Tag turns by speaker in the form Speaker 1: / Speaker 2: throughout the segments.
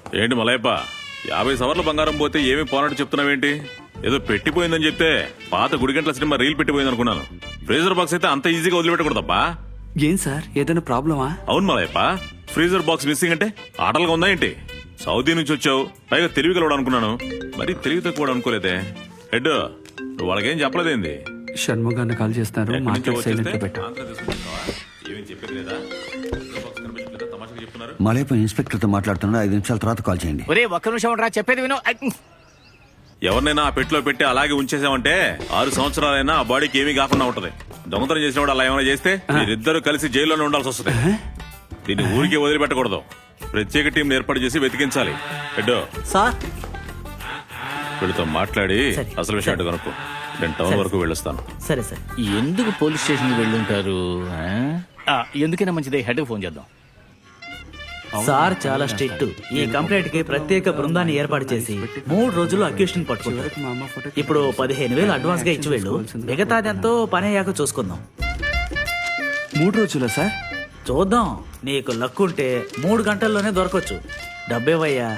Speaker 1: ఏంటి మలయప్ప 50 సవర్ల బంగారం పోతే ఏమీ పోనట్టు చెప్తున్నావేంటి? ఏదో పెట్టిపోయిందని చెప్తే పాత గుడిగంటల సినిమా రీల్ పెట్టిపోయింది అనుకున్నాను. ఫ్రీజర్ బాక్స్ అయితే అంత ఈజీగా వదిలిపెట్టకూడదబ్బా.
Speaker 2: ఏం సార్ ఏదైనా ప్రాబ్లమా?
Speaker 1: అవును మలయప్ప, ఫ్రీజర్ బాక్స్ మిస్సింగ్ అంటే ఆటలుగా ఉందా ఏంటి? సౌదీ నుంచి వచ్చావు, పైగా తెలివి కలవడం అనుకున్నాను, మరి తెలివి తక్కువ అనుకోలేదే. హెడ్ నువ్వు వాళ్ళకేం చెప్పలేదేంది?
Speaker 2: షణ్ముగాన్ని కాల్ చేస్తున్నారు, మాట్లాడి సైలెంట్ గా పెట్టు.
Speaker 1: ఏమేం చెప్పేది లేదా? తమాషగా చెప్తున్నారు.
Speaker 3: మలయప్ప ఇన్స్పెక్టర్ తో మాట్లాడుతున్నా, 5 నిమిషాల తర్వాత కాల్ చేయండి.
Speaker 4: ఒరే ఒక్క నిమిషం ఉండరా, చెప్పేది విను.
Speaker 1: ఎవరినైనా ఆ పెట్టులో పెట్టి అలాగే ఉంచేసామంటే 6 సంవత్సరాలైనా ఆ బాడీకి ఏమీ కాకుండా ఉంటది. దొంగతనం చేసిన వాడు అలా ఏమైనా చేస్తే మీరిద్దరు కలిసి జైల్లోనే ఉండాల్సి వస్తుంది. దీన్ని ఊరికి వదిలిపెట్టకూడదు. ప్రత్యేక టీం ఏర్పాటు చేసి వెతికించాలి. హెడ్డో
Speaker 5: సార్
Speaker 1: వీళ్ళతో మాట్లాడి అసలు విషయం కనుక్కో. నేను టౌన్ వరకు వెళ్ళొస్తాను.
Speaker 5: సరే సార్.
Speaker 4: ఎందుకు పోలీస్ స్టేషన్ కి వెళ్ళుంటారు? ఎందుకైనా మంచిదే, హెడ్ ఫోన్ చేద్దాం.
Speaker 5: సార్ చాలా స్ట్రిక్ట్. ఈ కంప్లైంట్ కి ప్రత్యేక బృందాన్ని ఏర్పాటు చేసి 3 రోజుల్లో అక్యూషన్ పట్టుకుంటారు. ఇప్పుడు 15,000 అడ్వాన్స్ గా ఇచ్చి వెళ్ళు, మిగతాదెంతో పని అయ్యాక చూసుకుందాం.
Speaker 2: 3 రోజులా సార్?
Speaker 5: చూద్దాం, నీకు లక్ ఉంటే 3 గంటల్లోనే దొరకొచ్చు. డబ్బేవయ్యా.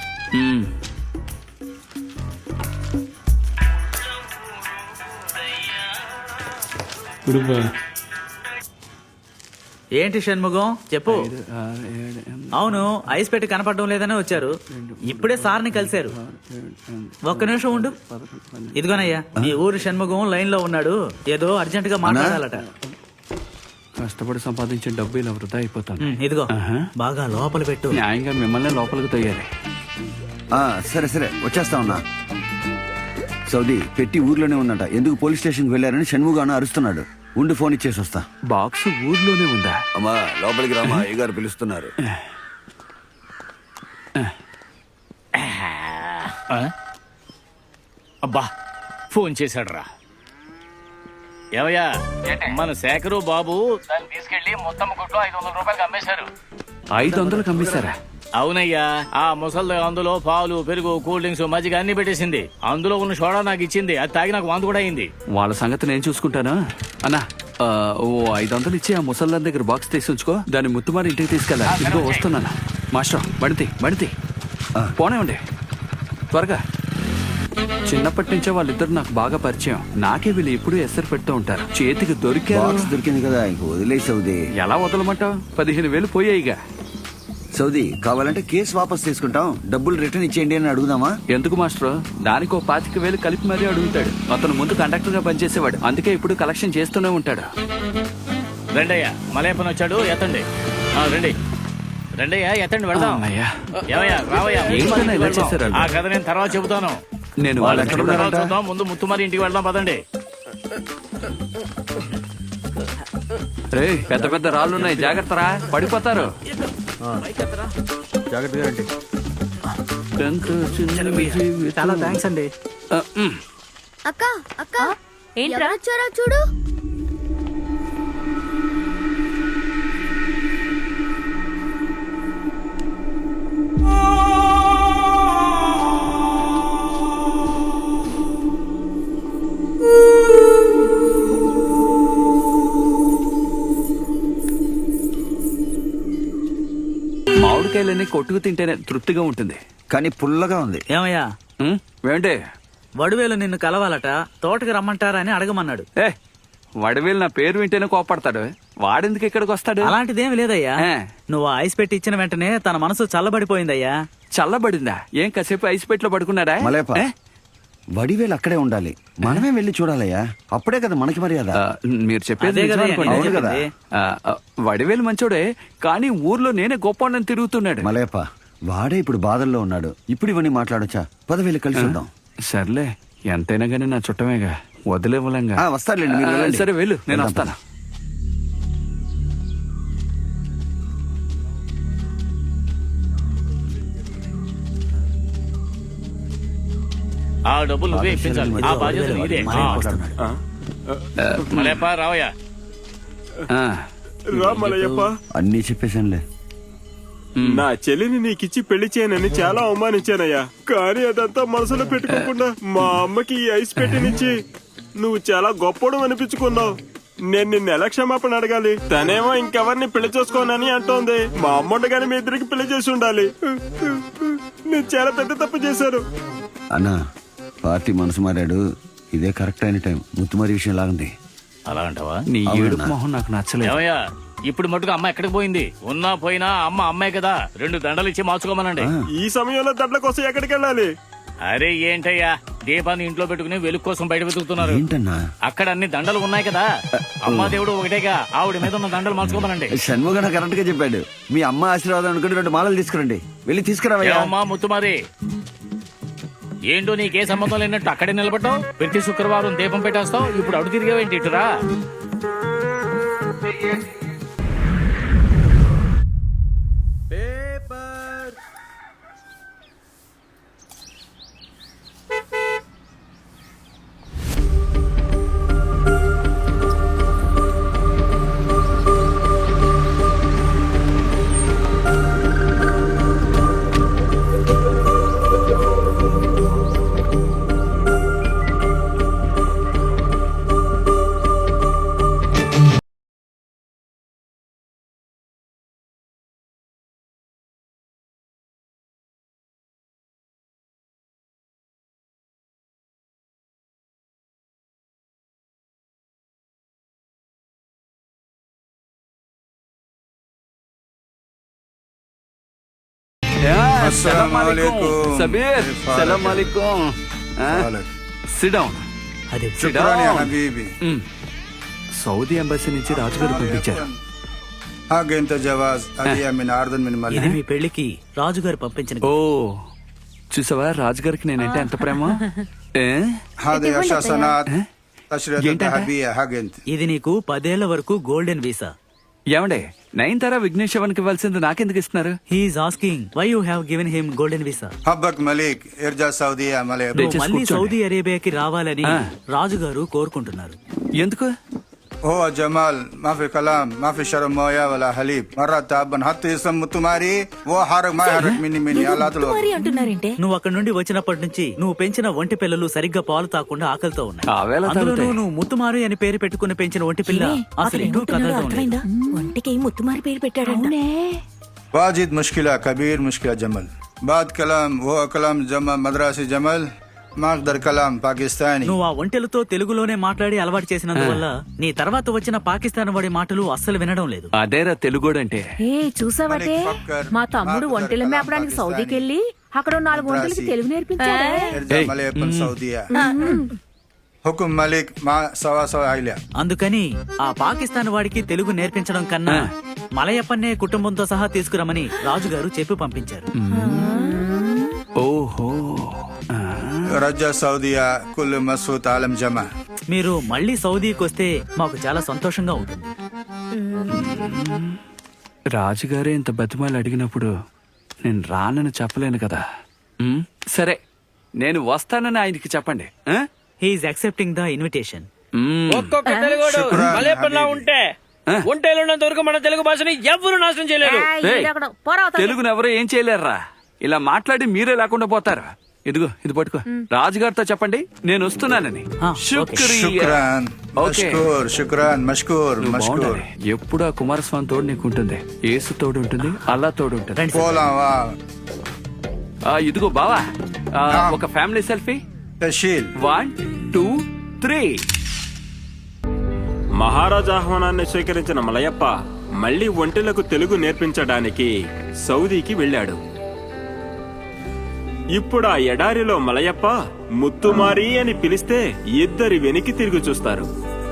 Speaker 5: ఏంటి షణ్ముగం చెప్పు. అవును, ఐస్ పెట్టి కనపడడం లేదని వచ్చారు. ఇప్పుడే సార్ని కలిశారు. ఒక్క నిమిషం ఉండు. ఇదిగోనయ్యా, ఈ ఊరు షణ్ముగం లైన్ లో ఉన్నాడు, ఏదో అర్జెంట్ గా మాట్లాడాలట.
Speaker 2: కష్టపడి సంపాదించిన డబ్బు ఇలా వృధా అయిపోతాను.
Speaker 5: ఇదిగో బాగా లోపల పెట్టు.
Speaker 2: న్యాయంగా మిమ్మల్ని లోపలికి తొయ్యాలి.
Speaker 3: సరే సరే వచ్చేస్తా ఉన్నా. సౌదీ పెట్టి ఊర్లోనే ఉందంట. ఎందుకు పోలీస్ స్టేషన్కి వెళ్ళారని షణ్ముగాను అరుస్తున్నాడు. ఉండి ఫోన్ ఇచ్చేసి వస్తా.
Speaker 2: బాక్స్ ఊర్లోనే ఉందా?
Speaker 3: అమ్మా లోపలికి రామా, అయ్యగారు పిలుస్తున్నారు.
Speaker 4: అబ్బా ఫోన్ చేశాడు రా. ఏవయ్యా, మన శేఖరు బాబు దాన్ని తీసుకెళ్లి మొత్తం కొట్లో 500 రూపాయలకి అమ్మేశారు.
Speaker 2: 500 అమ్మేశారా?
Speaker 4: అవునయ్యా, ఆ ముసలి అందులో పాలు, పెరుగు, కూల్ డ్రింక్స్, మజ్జిగ అన్ని పెట్టేసింది. అందులో ఉన్న సోడా నాకు ఇచ్చింది, అది తాగి నాకు వాంతి కూడా అయింది.
Speaker 2: వాళ్ళ సంగతి నేను చూసుకుంటాను. అన్నా ఓ 500 ఇచ్చి ఆ ముసల్లాన్ దగ్గర బాక్స్ తీసి ఉంచుకో. దాన్ని ముత్తుమారి ఇంటికి తీసుకెళ్ళా. ఇదిగో వస్తున్నాను. మాస్టర్ బండితి పోనే ఉండే త్వరగా. చిన్నప్పటి నుంచే వాళ్ళిద్దరు నాకు బాగా పరిచయం. నాకే వీళ్ళు ఎప్పుడు ఎసరు పెడుతూ ఉంటారు. చేతికి
Speaker 3: దొరికింది కదా, ఇంక వదిలే సౌదీ.
Speaker 2: ఎలా వదలమంటావు? 15,000 పోయాయిగా.
Speaker 3: సౌదీ కావాలంటే కేసు వాపస్ తీసుకుంటాం, డబ్బులు రిటర్న్ ఇచ్చేయండి అని అడుగుదామా?
Speaker 2: ఎందుకు మాస్టర్? దానికి 25,000 కలిపి మరీ అడుగుతాడు. అతను ముందు కండక్టర్ గా పనిచేసేవాడు, అందుకే ఇప్పుడు కలెక్షన్ చేస్తూనే ఉంటాడు.
Speaker 4: రెండయ్యా, మలయప్పని వచ్చాడు, ఎత్తండి. రెండయ్యా ఎత్తండి, వెళ్దాం. ఏమయ్యా రావయ్యా,
Speaker 2: ఇలా చేశారు?
Speaker 4: ఆ కథ నేను తర్వాత చెబుతాను.
Speaker 2: నేను వాళ్ళు ఎక్కడ ఉన్నారంట?
Speaker 4: చూద్దాం, ముందు ముత్తుమారి ఇంటికి వెళ్దాం పదండి.
Speaker 2: రే పెద్ద పెద్ద రాళ్ళున్నాయి, జాగ్రత్తరా, పడిపోతారు.
Speaker 5: చాలా థ్యాంక్స్ అండి.
Speaker 6: అక్క అక్క ఏంట్రా వచ్చారా చూడు.
Speaker 2: మామిడికాయలన్నీ కొట్టుకు తింటేనే తృప్తిగా ఉంటుంది,
Speaker 3: కానీ పుల్లగా ఉంది.
Speaker 5: ఏమయ్యా
Speaker 2: ఏంటే?
Speaker 5: వడివేలు నిన్ను కలవాలట, తోటకి రమ్మంటారా అని అడగమన్నాడు.
Speaker 2: వడివేలు నా పేరు వింటేనే కోపడతాడు. వాడెందుకు ఇక్కడికి వస్తాడు?
Speaker 5: అలాంటిదేమి లేదయ్యా. నువ్వు ఐస్ పెట్టి ఇచ్చిన వెంటనే తన మనసు చల్లబడిపోయిందయ్యా.
Speaker 2: చల్లబడిందా? ఏం కాసేపు ఐస్ పెట్లో పడుకున్నాడా?
Speaker 3: మలయప్ప, వడివేలు అక్కడే ఉండాలి, మనమే వెళ్ళి చూడాలయ్యా. అప్పుడే కదా మనకి మర్యాద.
Speaker 2: మీరు చెప్పేది
Speaker 3: అవును కదా.
Speaker 2: వడివేలు మంచోడే, కానీ ఊర్లో నేనే గొప్ప తిరుగుతున్నాడు.
Speaker 3: మలయప్ప, వాడే ఇప్పుడు బాధల్లో ఉన్నాడు. ఇప్పుడు ఇవన్నీ మాట్లాడొచ్చా? పదవేలు కలిసి ఉందాం.
Speaker 2: సర్లే, ఎంతైనా గానీ నా చుట్టమేగా, వదిలేవలంగా.
Speaker 3: వస్తారులేండి.
Speaker 2: సరే వెళ్ళు, నేను వస్తాను.
Speaker 4: ఆ డబ్బులు నువ్వే ఇప్పించాలి, ఆ బాధ్యత నీదే. మలయప్ప రావయ్యా.
Speaker 7: మలయప్ప,
Speaker 3: అన్నీ చెప్పేశానులే.
Speaker 7: నా చెల్లిని నీకిచ్చి పెళ్లి చేయనని చాలా అవమానించానయ్యా. కానీ అదంతా మనసులో పెట్టుకోకుండా మా అమ్మకి ఈ ఐస్ పెట్టినిచ్చి నువ్వు చాలా గొప్పడు అనిపించుకున్నావు. నేను నిన్ను ఎలా క్షమాపణ అడగాలి? తనేమో ఇంకెవరిని పెళ్లి చేసుకోనని అంటోంది. మా అమ్మ ఉండగానే మీ ఇద్దరికి పెళ్లి చేసి ఉండాలి. నేను చాలా పెద్ద తప్పు చేశాను.
Speaker 3: అన్నా పార్టీ మనసు మారాడు, ఇదే కరెక్ట్ అయిన టైం. ముత్తుమారి విషయం లాగుంది.
Speaker 4: అలా అంటావా?
Speaker 2: నీ
Speaker 3: అవునన్నా.
Speaker 2: ఏడుపు మొహం నాకు నచ్చలేదు.
Speaker 4: ఏమయ్యా ఇప్పుడు మటుకు అమ్మ ఎక్కడికి పోయింది? ఉన్నా పోయినా అమ్మ అమ్మాయి కదా, 2 దండలు ఇచ్చి మార్చుకోమనండి.
Speaker 7: ఈ సమయంలో దండల కోసం ఎక్కడికి వెళ్ళాలి?
Speaker 4: అరే ఏంటయ్యా, దీపాన్ని ఇంట్లో పెట్టుకుని వెలుగు కోసం బయట వెతుకుతున్నారు.
Speaker 3: ఏంటన్నా
Speaker 4: అక్కడ అన్ని దండలు ఉన్నాయి కదా, అమ్మా దేవుడు ఒకటేగా, ఆవిడ మీద ఉన్న దండలు మార్చుకోమనండి.
Speaker 3: షణ్ముగన కరెక్ట్ గా చెప్పాడు. మీ అమ్మ ఆశీర్వాదం అనుకుంటే 2 మాలలు తీసుకురండి. వెళ్ళి తీసుకురావయ్యా.
Speaker 4: ఏమమ్మా ముత్తుమారి, ఏంటో నీకే సంబంధం లేనట్టు అక్కడే నిలబడ్డావు? ప్రతి శుక్రవారం దీపం పెట్టేస్తావు, ఇప్పుడు అడు తిరిగేవేంటి ఇటురా?
Speaker 2: సలాం అలైకుం. సబీర్, సలాం అలైకుం. Sit down.
Speaker 5: అదే
Speaker 2: Sit down. సౌదీ ఎంబసీ నుంచి రాజుగారు పంపించారు.
Speaker 8: حق انت جواز هدية من عرض من
Speaker 5: ఇది
Speaker 8: ملك.
Speaker 5: మీ పెళ్లికి రాజుగారు పంపించిన
Speaker 2: ఓ చూసావా రాజుగారికి నేనంటే ఎంత ప్రేమ. ఏ?
Speaker 8: هذه 10 سنوات
Speaker 2: ها؟
Speaker 8: تشريط
Speaker 2: ఏంటంట?
Speaker 8: ذهبية حق انت.
Speaker 5: ఇది నీకు 10 ఏళ్ల వరకు గోల్డెన్ వీసా.
Speaker 2: ఏమండే నయనతార విఘ్నేష్ శవన్కి ఇవ్వాల్సింది నాకెందుకు ఇస్తున్నారు?
Speaker 5: He's asking why you have given him golden visa.
Speaker 8: حبك ملك ارجع سعودية ملك.
Speaker 2: దయచేసి
Speaker 5: మళ్ళీ
Speaker 2: కూర్చోండి.
Speaker 5: సౌదీ అరేబియాకి రావాలని
Speaker 2: ఆ.
Speaker 5: రాజుగారు కోరుకుంటున్నారు.
Speaker 2: ఎందుకు?
Speaker 8: هو جمال ما في كلام ما في شرب مويه ولا حليب مرة تعبان حتى اسم متماري वो حرك ما يحرك مني يا لا تلو.
Speaker 6: అంటున్నారంటే
Speaker 5: నువ్వు అక్కడి నుండి వచ్చినప్పటి నుంచి నువ్వు పెంచిన ఒంటి పిల్లలు సరిగ్గా పాలు తాకుండా ఆకలితో ఉన్నాయి.
Speaker 2: ఆవేళ
Speaker 5: అందులోనూ
Speaker 2: తాగుతాయి.
Speaker 5: నువ్వు ముత్తుమారి అని పేరు పెట్టుకుని పెంచిన ఒంటి పిల్ల అసలు ఎటూ కదలడం లేదు.
Speaker 6: ఒంటికి ముత్తుమారి పేరు పెట్టాడంట.
Speaker 8: واجد مشكلة كبير مشكلة جمل بعد كلام هو كلام جمل مدرسي جمل ما اقدر كلام باكستاني.
Speaker 5: నువ్వు ఆ ఒంటెలతో తెలుగులోనే మాట్లాడి అలవాటు చేసినందువల్ల నీ తర్వాత వచ్చిన పాకిస్తాన్ వాడి మాటలు అస్సలు వినడం లేదు.
Speaker 2: అదేరా తెలుగోడంటే.
Speaker 6: ఏ చూసావటే మా తమ్ముడు ఒంటెల మేపడానికి సౌదీకి వెళ్ళి అక్కడ 4 ఒంటెలకి తెలుగు నేర్పించాడు.
Speaker 8: ارجع ملك من سعودية حكم ملك ما سوا سوا عائلة.
Speaker 5: అందుకని ఆ పాకిస్తాన్ వాడికి తెలుగు నేర్పించడం కన్నా మలయప్పన్నే కుటుంబంతో సహా తీసుకురమని రాజుగారు చెప్పి పంపించారు.
Speaker 2: ఓహో
Speaker 8: رجع سعودية كل مسعود عالم جمع.
Speaker 5: మీరు మళ్ళీ సౌదీకి వస్తే మాకు చాలా సంతోషంగా ఉంటుంది.
Speaker 2: రాజుగారే ఇంత బతిమాలు అడిగినప్పుడు నేను రానని చెప్పలేను కదా. సరే నేను వస్తానని ఆయనకి చెప్పండి. ఆ?
Speaker 5: He's accepting the invitation.
Speaker 9: ఒక్కొక్క తెలుగుడు మలేపల్లా ఉంటే ఒంటేలున్నంత వరకు మన తెలుగు భాషని ఎవ్వరూ నాశనం చేయలేరు.
Speaker 2: ఏయ్, తెలుగును ఎవరో ఏం చేయలేరురా. ఇలా మాట్లాడి మీరే లేకుండా పోతారు. ఇదిగో ఇది పట్టుకో. రాజుగారితో చెప్పండి నేను వస్తున్నానని. శుక్రియా.
Speaker 8: شكرا
Speaker 2: ఓకే.
Speaker 8: مشكور شكرا مشكور
Speaker 2: నువ్వు
Speaker 8: مشكور.
Speaker 2: బాగుండాలి. ఎప్పుడు ఆ కుమారస్వామి తోడు నీకు ఉంటుంది, యేసు తోడు ఉంటుంది, అల్లా తోడు ఉంటుంది.
Speaker 8: بولا واو
Speaker 2: ఇదిగో బావా ఒక ఫ్యామిలీ సెల్ఫీ.
Speaker 8: تشيل
Speaker 2: 1 2 3.
Speaker 7: మహారాజా ఆహ్వానాన్ని స్వీకరించిన మలయప్ప మళ్లీ ఒంటెలకు తెలుగు నేర్పించడానికి సౌదీకి వెళ్ళాడు. ఇప్పుడు ఆ ఎడారిలో మలయప్ప ముత్తుమారి అని పిలిస్తే ఇద్దరి వెనక్కి తిరిగి చూస్తారు.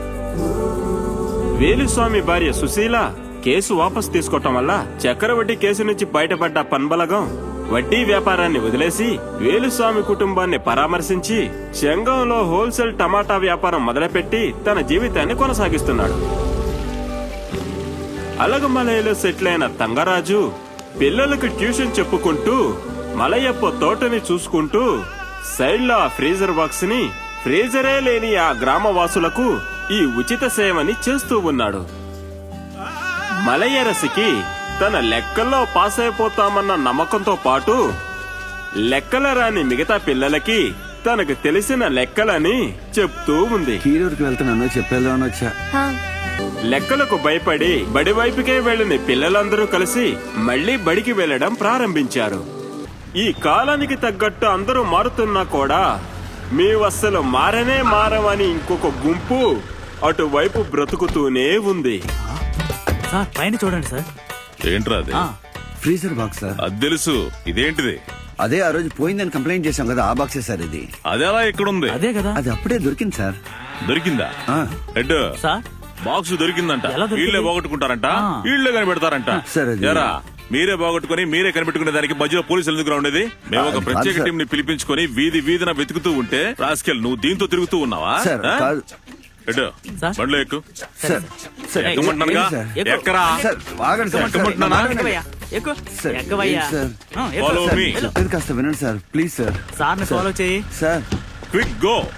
Speaker 7: వేలుస్వామి భార్య సుశీల కేసు వాపసు తీసుకోవటం వల్ల చక్రవడ్డీ కేసు నుంచి బయటపడ్డ పన్బలగం వడ్డీ వ్యాపారాన్ని వదిలేసి వేలుస్వామి కుటుంబాన్ని పరామర్శించి చెంగంలో హోల్సేల్ టమాటా వ్యాపారం మొదలుపెట్టి తన జీవితాన్ని కొనసాగిస్తున్నాడు. అలగమలయలో సెటిల్ అయిన తంగరాజు పిల్లలకు ట్యూషన్ చెప్పుకుంటూ మలయప్ప తోటని చూసుకుంటూ సైడ్ లో ఆ ఫ్రీజర్ బాక్స్ ని ఫ్రీజరే లేని ఆ గ్రామవాసులకు ఈ ఉచిత సేవని చేస్తూ ఉన్నాడు. మలయరసికి తన లెక్కల్లో పాస్ అయిపోతామన్న నమ్మకంతో పాటు లెక్కల రాని మిగతా పిల్లలకి తనకు తెలిసిన లెక్కలని చెప్తూ ఉంది.
Speaker 3: కీరూరుకి వెళ్తున్నాను చెప్పేద్దామని వచ్చా.
Speaker 7: లెక్కలకు భయపడి బడి వైపుకే వెళ్లిన పిల్లలందరూ కలిసి మళ్లీ బడికి వెళ్లడం ప్రారంభించారు. ఈ కాలానికి తగ్గట్టు అందరూ మారుతున్నా కూడా మేము అస్సలు మారమని ఇంకొక గుంపు అటువైపు బ్రతుకుతూనే ఉంది.
Speaker 5: సార్ పైన చూడండి సార్.
Speaker 1: ఏంట్రా అది?
Speaker 3: Freezer box sir.
Speaker 1: అది తెలుసు, ఇదేంటిది?
Speaker 3: అదే ఆ రోజు పోయిందని కంప్లైంట్ చేశాం కదా, ఆ బాక్సే సార్ ఇది.
Speaker 1: అది ఎలా ఎక్కడుంది?
Speaker 5: అదే కదా.
Speaker 3: అది అప్పుడే దొరికింది సార్.
Speaker 1: దొరికిందా?
Speaker 3: ఆ.
Speaker 1: హెడ్
Speaker 5: సార్
Speaker 1: బాక్స్ దొరికిందంట.
Speaker 5: ఎలా దొరికింది?
Speaker 1: వీళ్ళే పోగొట్టుకుంటారంట, వీళ్ళే కనిపెడతారంట.
Speaker 3: సరే, అది-
Speaker 1: ఎరా మీరే పోగొట్టుకుని మీరే కనిపెట్టుకునే దానికి మధ్యలో పోలీసులు ఎందుకు ఉండేది? మేము ఒక
Speaker 3: అది
Speaker 1: ప్రత్యేక
Speaker 3: కాదు,
Speaker 1: టీం ని పిలిపించుకొని వీధి వీధిన వెతుకుతూ ఉంటే రాస్కెల్ నువ్వు దీంతో తిరుగుతూ ఉన్నావా?
Speaker 3: సార్
Speaker 1: ఆ?
Speaker 3: కాదు
Speaker 1: హెడ్
Speaker 5: సార్.
Speaker 1: బండ్లో ఎక్కు.
Speaker 3: సార్. సార్
Speaker 1: ఎక్కమంటున్నానుగా,
Speaker 3: ఏంటి సార్?
Speaker 1: ఎక్కరా?
Speaker 3: సార్ ఆగండి సార్.
Speaker 1: ఎక్కమంటున్నానా?
Speaker 5: ఎక్కువయ్యా, ఎక్కు.
Speaker 3: సార్,
Speaker 5: ఎక్కువయ్యా.
Speaker 3: ఏంటి సార్?
Speaker 5: ఎక్కు.
Speaker 1: Follow
Speaker 3: sir,
Speaker 1: me.
Speaker 3: చెప్పేది కాస్త వినండి సార్, ప్లీజ్ సార్.
Speaker 5: సార్ని ఫాలో చేయి.
Speaker 3: Sir
Speaker 1: quick go.